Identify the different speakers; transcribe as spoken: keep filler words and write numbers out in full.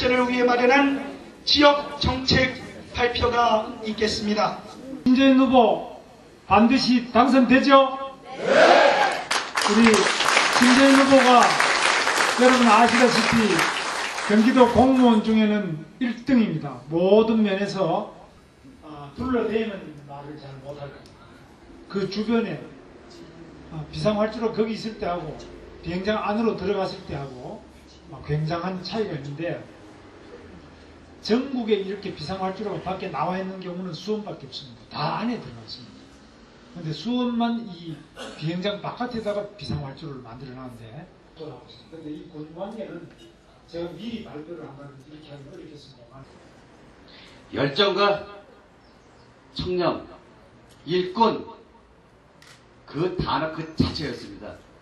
Speaker 1: 발전을 위해 마련한 지역 정책 발표가 있겠습니다.
Speaker 2: 김재인 후보 반드시 당선되죠? 네! 우리 김재인 후보가 여러분 아시다시피 경기도 공무원 중에는 일 등입니다. 모든 면에서 어, 둘러대면 말을 잘 못할 겁니다. 그 주변에 어, 비상활주로 거기 있을 때 하고 비행장 안으로 들어갔을 때 하고 어, 굉장한 차이가 있는데 전국에 이렇게 비상활주로가 밖에 나와 있는 경우는 수원밖에 없습니다. 다 안에 들어갔습니다. 그런데 수원만 이 비행장 바깥에다가 비상활주로를 만들어놨는데 또 나왔습니다. 그런데 이 권관계는 제가 미리 발표를 한번 이렇게 하기 어렵겠습니다.
Speaker 3: 열정과 청렴, 일꾼 그 단어 그 자체였습니다.